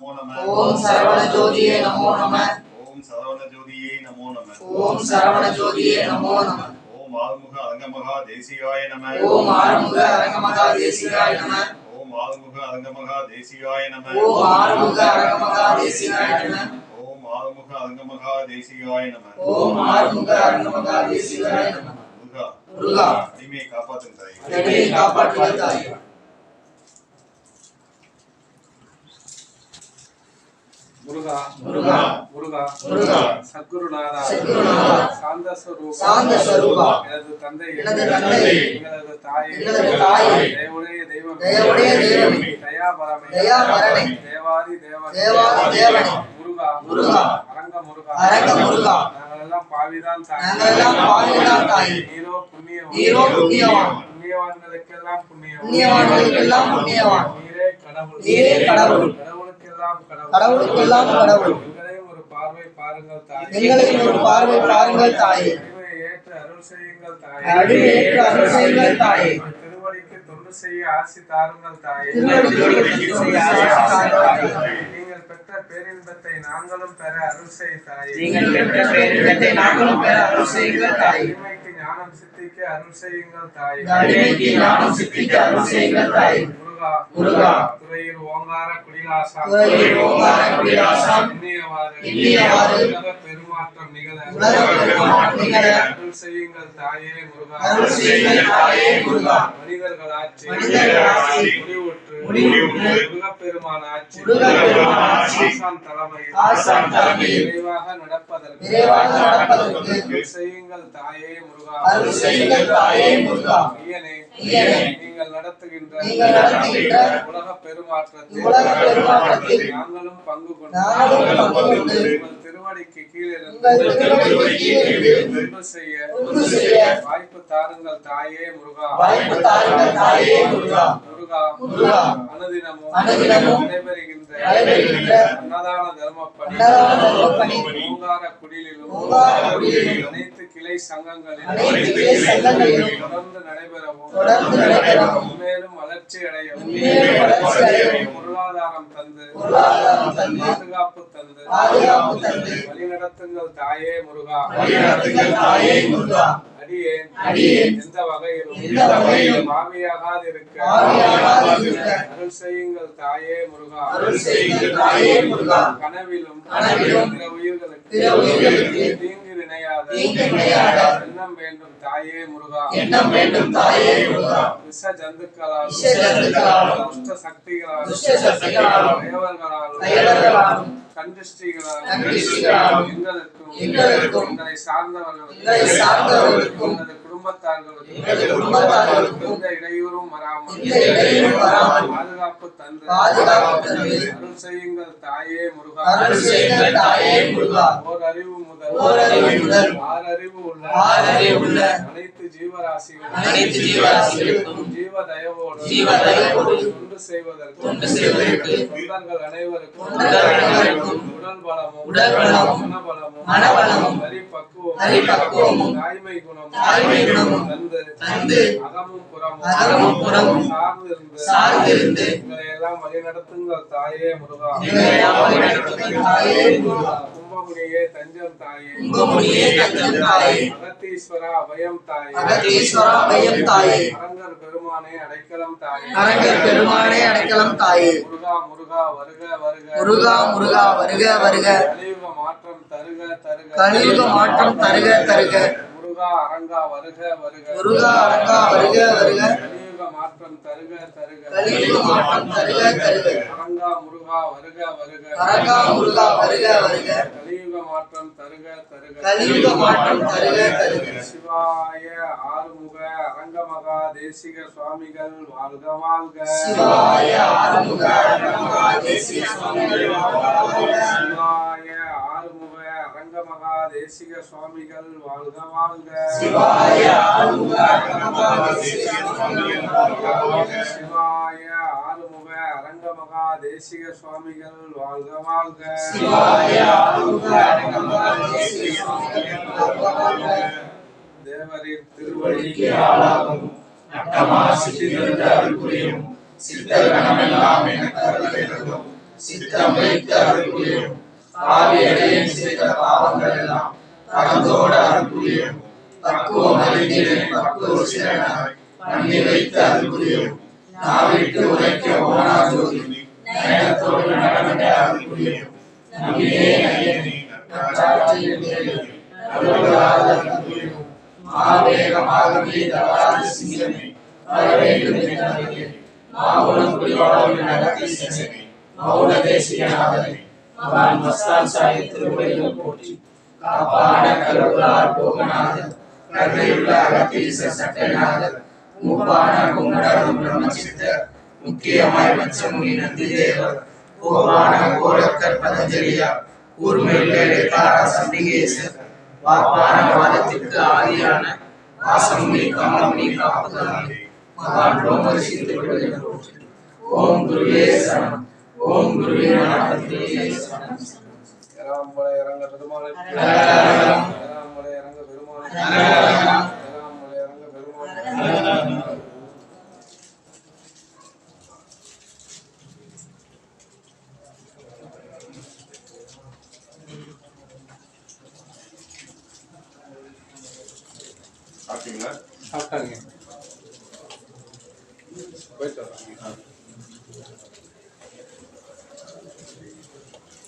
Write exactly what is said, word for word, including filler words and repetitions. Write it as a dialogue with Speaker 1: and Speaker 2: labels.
Speaker 1: நமோ நம.
Speaker 2: ஓம் சரவண ஜோதியே நமோ நம.
Speaker 1: ஓம் சரவண ஜோதியே நமோ நம.
Speaker 2: ஓம் சரவண ஜோதியே நமோ நம.
Speaker 1: ஓம் ஆறுமுக அரங்கமகா தேசிகாய நம.
Speaker 2: ஓம் ஆறுமுக அரங்கமகா தேசிகாய நம.
Speaker 1: ஓம் ஆறுமுக அரங்கமகா தேசிகாய நம.
Speaker 2: ஓம் ஆறுமுக அரங்கமகா தேசிகாய நம.
Speaker 1: ஓம் ஆறுமுக அரங்கமகா தேசிகாய நம.
Speaker 2: ஓம் ஆறுமுக அரங்கமகா தேசிகாய நம.
Speaker 1: முருகா
Speaker 2: முருகா
Speaker 1: அடிமையை காப்பாற்றும் தாய்.
Speaker 2: அடிமையை காப்பாற்றுக தாய்.
Speaker 3: முருகா
Speaker 2: முருகா
Speaker 3: முருகா
Speaker 2: முருகா
Speaker 3: சத்குருநாதா
Speaker 2: சத்குருநாதா
Speaker 3: சாந்த ஸ்வரூபா
Speaker 2: சாந்த ஸ்வரூபா
Speaker 3: எனது தந்தை
Speaker 2: எனது தந்தை
Speaker 3: எங்களது தாயே
Speaker 2: எங்களது தாயே
Speaker 3: தேவனுடைய தெய்வம்
Speaker 2: தயவுடைய தெய்வமே
Speaker 3: தயாபரமே
Speaker 2: தயாபரமே
Speaker 3: தேவாதி தேவன்
Speaker 2: தேவாதி தேவனே
Speaker 3: முருகா
Speaker 2: முருகா
Speaker 3: அரங்க முருகா
Speaker 2: அரங்க முருகா
Speaker 3: நாங்கள் எல்லாம் பாவிதான் தாய்
Speaker 2: நாங்கள் எல்லாம் பாவிதான் தாய்.
Speaker 3: நீரோ புண்ணியவான்
Speaker 2: நீரோ புண்ணியவான்.
Speaker 3: புண்ணியவான்களுக்கெல்லாம் புண்ணியவான்
Speaker 2: புண்ணியவான்களுக்கெல்லாம் புண்ணியவான்.
Speaker 3: நீரே கடவுள்
Speaker 2: நீரே கடவுள்.
Speaker 3: கடவுளுக்கெல்லாம் கடவுள்
Speaker 2: கடவுளுக்கெல்லாம் கடவுள்.
Speaker 3: எங்களையும் ஒரு பார்வை பாருங்கள் தாய்.
Speaker 2: எங்களையும் ஒரு பார்வை பாருங்கள் தாயே.
Speaker 3: அடிமையை ஏற்று அருள் செய்யுங்கள் தாயே.
Speaker 2: அடிமை ஏற்று அருள் செய்யுங்கள் தாயே.
Speaker 3: திருவடிக்கு தொண்டு செய்ய ஆசி தாருங்கள் தாயே.
Speaker 2: திருவடிக்கு தொண்டு செய்ய ஆசி தாருங்கள் தாயே.
Speaker 3: நீங்கள் பெற்ற பேரின்பத்தை நாங்களும் பெற அருள் செய் தாயே.
Speaker 2: நீங்கள் பெற்ற பேரின்பத்தை நாங்களும் பெற அருள் செய்யுங்கள் தாயே.
Speaker 3: அடிமைக்கு ஞானம் சித்திக்க அருள் செய்யுங்கள் தாயே.
Speaker 2: அடிமைக்கு ஞானம் சித்திக்க அருள் செய்யுங்கள் தாயே.
Speaker 3: முருகா
Speaker 2: முருகா
Speaker 3: துறையூர் ஓங்கார குடிலாசா
Speaker 2: துறையூர் ஓங்கார குடிலாசா
Speaker 3: எண்ணியவாறு
Speaker 2: எண்ணியவாறு
Speaker 3: உலக பெருமாற்றம் நிகழ
Speaker 2: உலக பெருமாற்றம் நிகழ
Speaker 3: அருள் செய்யுங்கள் தாயே முருகா.
Speaker 2: அருள் செய்யுங்கள் தாயே முருகா.
Speaker 3: மனிதர்கள் ஆட்சி
Speaker 2: மனிதர்கள் ஆட்சி
Speaker 3: முடிவுற்று
Speaker 2: முடிவுற்று
Speaker 3: முருகப்பெருமான் ஆட்சி
Speaker 2: முருகப்பெருமான் ஆட்சி
Speaker 3: ஆசான் தலைமையில்
Speaker 2: ஆசான் தலைமையில்
Speaker 3: விரைவாக நடப்பதற்கு
Speaker 2: விரைவாக நடப்பதற்கு
Speaker 3: அருள் செய்யுங்கள் தாயே முருகா.
Speaker 2: அருள் செய்யுங்கள் தாயே முருகா.
Speaker 3: ஐயனே
Speaker 2: ஐயனே
Speaker 3: நீங்கள் நடத்துகின்ற
Speaker 2: நீங்கள் நடத்துகின்ற
Speaker 3: உலக பெருமாற்றத்தில்
Speaker 2: உலக பெருமாற்றத்தில்
Speaker 3: நாங்களும் பங்கு கொண்டு
Speaker 2: நாங்களும் பங்கு கொண்டு
Speaker 3: உங்கள் திருவடிக்கு கீழே
Speaker 2: உங்கள் திருவடிக்கு கீழே இருந்து
Speaker 3: தொண்டு செய்ய
Speaker 2: தொண்டு செய்ய
Speaker 3: வாய்ப்பு தாருங்கள் தாயே முருகா.
Speaker 2: வாய்ப்பு தாருங்கள் தாயே முருகா.
Speaker 3: முருகா
Speaker 2: முருகா
Speaker 3: அனுதினமும்
Speaker 2: அனுதினமும்
Speaker 3: நடைபெறுகின்ற
Speaker 2: நடைபெறுகின்ற
Speaker 3: அன்னதான தர்மப்பணி
Speaker 2: அன்னதான தர்மப்பணி
Speaker 3: ஓங்கார குடிலிலும்
Speaker 2: ஓங்கார குடிலிலும்
Speaker 3: அனைத்து கிளை சங்கங்களிலும்
Speaker 2: அனைத்து கிளை சங்கங்களிலும்
Speaker 3: தொடர்ந்து நடைபெறவும்
Speaker 2: தொடர்ந்து நடைபெறவும்
Speaker 3: மேலும் வளர்ச்சி அடையவும்
Speaker 2: மேலும் வளர்ச்சி அடையவும்
Speaker 3: பொருளாதாரம் தந்து
Speaker 2: பொருளாதாரம் தந்து
Speaker 3: பாதுகாப்பு தந்து
Speaker 2: பாதுகாப்பு தந்து
Speaker 3: வழிநடத்துங்கள் தாயே முருகா.
Speaker 2: வழிநடத்துங்கள் தாயே முருகா.
Speaker 3: அடியேன்
Speaker 2: அடியேன்
Speaker 3: எந்த வகையிலும்
Speaker 2: எந்த வகையிலும்
Speaker 3: பாவியாகாதிருக்க
Speaker 2: பாவியாகாதிருக்க
Speaker 3: அருள் செய்யுங்கள் தாயே முருகா.
Speaker 2: அருள் செய்யுங்கள் தாயே முருகா.
Speaker 3: கனவிலும்
Speaker 2: கனவிலும்
Speaker 3: பிற உயிர்களுக்கு
Speaker 2: பிற உயிர்களுக்கு
Speaker 3: தீங்கு நினையாத
Speaker 2: தீங்கு நினையாத
Speaker 3: எண்ணம் வேண்டும் தாயே முருகா.
Speaker 2: எண்ணம் வேண்டும் தாயே முருகா.
Speaker 3: விஷ ஜந்துக்களாலும்
Speaker 2: விஷ ஜந்துக்களாலும்
Speaker 3: துஷ்ட சக்திகளாலும்
Speaker 2: துஷ்ட சக்திகளாலும்
Speaker 3: தேவர்களாலும்
Speaker 2: தயவர்களாலும்
Speaker 3: கண்டிஷ்டிகளாலும்
Speaker 2: கண்டிஷ்டிகளாலும்
Speaker 3: எங்களுக்கும்
Speaker 2: எங்களுக்கும்
Speaker 3: எங்களை சார்ந்தவர்களுக்கும்
Speaker 2: எங்களை சார்ந்தவர்களுக்கும்
Speaker 3: எங்களது குடும்பத்தார்களுக்கும்
Speaker 2: எங்களது குடும்பத்தார்களுக்கும்
Speaker 3: எந்த இடையூறும் வராமல்
Speaker 2: எந்த இடையூறும் வராமல்
Speaker 3: பாதுகாப்பு தந்து
Speaker 2: பாதுகாப்பு தந்து
Speaker 3: அருள் செய்யுங்கள் தாயே முருகா.
Speaker 2: அருள் செய்யுங்கள் தாயே முருகா.
Speaker 3: ஓர் அறிவு முதல்
Speaker 2: ஓர் அறிவு முதல்
Speaker 3: ஆறு அறிவு உள்ள
Speaker 2: ஆறு அறிவு உள்ள
Speaker 3: அனைத்து ஜீவராசிகளும்
Speaker 2: அனைத்து ஜீவராசிகளுக்கும்
Speaker 3: ஜீவ தயவோடு
Speaker 2: ஜீவ தயவோடு
Speaker 3: தொண்டு செய்வதற்கு
Speaker 2: தொண்டு செய்வதற்கு
Speaker 3: தொண்டர்கள் அனைவருக்கும்
Speaker 2: தொண்டர்கள் அனைவருக்கும்
Speaker 3: உடல் பலமும்
Speaker 2: உடல் பலமும்
Speaker 3: மனபலமும்
Speaker 2: மனபலமும்
Speaker 3: பரிபக்குவமும்
Speaker 2: பரிபக்குவமும்
Speaker 3: தாய்மை குணமும்
Speaker 2: தாய்மை குணமும்
Speaker 3: தந்து
Speaker 2: தந்து
Speaker 3: அகமும் புறமும்
Speaker 2: அகமும் புறமும்
Speaker 3: சார்ந்திருந்து
Speaker 2: சார்ந்திருந்து
Speaker 3: எங்களை எல்லாம் வழிநடத்துங்கள் தாயே முருகா.
Speaker 2: எங்களை எல்லாம் வழிநடத்துங்கள் தாயே முருகா.
Speaker 3: கும்பமுனியே தஞ்சம் தாயே.
Speaker 2: கும்பமுனியே தஞ்சம் தாயே.
Speaker 3: அகத்தீஸ்வரா அபயம் தாயே.
Speaker 2: அகத்தீஸ்வரா அபயம் தாயே.
Speaker 3: அரங்கர் பெருமானே அடைக்கலம் தாயே.
Speaker 2: அரங்கர் பெருமானே அடைக்கலம் தாயே.
Speaker 3: முருகா முருகா வருக வருக.
Speaker 2: முருகா முருகா வருக வருக.
Speaker 3: கலியுக மாற்றம் தருக தருக.
Speaker 2: கலியுக மாற்றம் தருக தருக.
Speaker 3: முருகா அரங்கா வருக வருக.
Speaker 2: முருகா அரங்கா வருக வருக.
Speaker 3: கலியுக மாற்றம் தருக தருக.
Speaker 2: கலியுக மாற்றம் தருக தருக.
Speaker 3: அரங்கா முருகா வருக வருக.
Speaker 2: அரங்கா முருகா வருக வருக.
Speaker 3: கலியுக மாற்றம் தருக தருக.
Speaker 2: கலியுக மாற்றம் தருக தருக.
Speaker 3: சிவாய ஆறுமுக அரங்கமகா தேசிக சுவாமிகள் வாழ்க வாழ்க.
Speaker 2: சிவாய ஆறுமுக அரங்கமகா தேசிக சுவாமிகள் வாழ்க வாழ்க.
Speaker 3: சிவாய ஆறுமுக அரங்கமகா தேசிக சுவாமிகள் வாழ்க வாழ்க.
Speaker 2: சிவாய ஆறுமுக அரங்கமகா தேசிக சுவாமிகள் வாழ்க வாழ்க.
Speaker 3: சிவாய ஆறுமுக அரங்கமகா தேசிக சுவாமிகள் வாழ்க வாழ்க.
Speaker 2: சிவாய ஆறுமுக அரங்கமகா தேசிக சுவாமிகள் வாழ்க வாழ்க.
Speaker 3: தேவரின் திருவடிக்கு
Speaker 2: ஆளாகும் நட்டமா சித்திரத்த அருள் புரியும் சித்தர் கணமெல்லாம் எனக்கு அருள் வேண்டும். சித்தம் வைத்து அருள் புரியவும் பாவியடையேன் செய்த பாவங்கள் எல்லாம் பரந்தோட அருள் புரியவும் பக்குவம் அறிந்தேன் பக்குவ சிறனாய் பண்ணி வைத்து அருள் புரியவும் நாவிட்டு உரைக்க ஓனா ஜோதி நயனத்தோடு நடனத்தை அருள் புரியவும் நம்பியே நயனி நற்றாட்சியில் தேவையும் அருளாத அருள் புரியவும் மாவேகமாகவே தவறாத சிங்கமே வரவேண்டும் என்றே மாவுளம் குடிவாழும் நடத்தி செசமே மௌன தேசியநாதனே மகான் மஸ்தான் சாஹிப் திருவடிகள் போற்றி காப்பான கருளார் போகநாதன் கருணையுள்ள அகத்தீச சட்டநாதன் மூப்பான குங்கடரும் பிரம்மசித்தர் முக்கியமாய் பச்சமுனி நந்தி தேவர் கோபான கோரக்கர் பதஞ்சலியார் கூர்மையுள்ள இடைக்காரா சண்டிகேசர் வாப்பான வாதத்திற்கு ஆதியான வாசமுனி கமலமுனி காப்புதானே மகான் ரோமரிஷி திருவடிகள் போற்றி ஓம் குருவே சரணம் ஓம் குருவே நாராயணே சரணம்
Speaker 3: ஏராம்பலை இறங்க பெருமாளை
Speaker 2: ஹரஹரம்
Speaker 3: ஏராம்பலை இறங்க பெருமாளை
Speaker 2: ஹரஹரம்
Speaker 3: ஏராம்பலை இறங்க பெருமாளை
Speaker 2: ஹரஹரம்
Speaker 1: சாப்பிட்டீங்களா?
Speaker 3: சாப்பிட்டாங்க போயிட்டு வராங்க.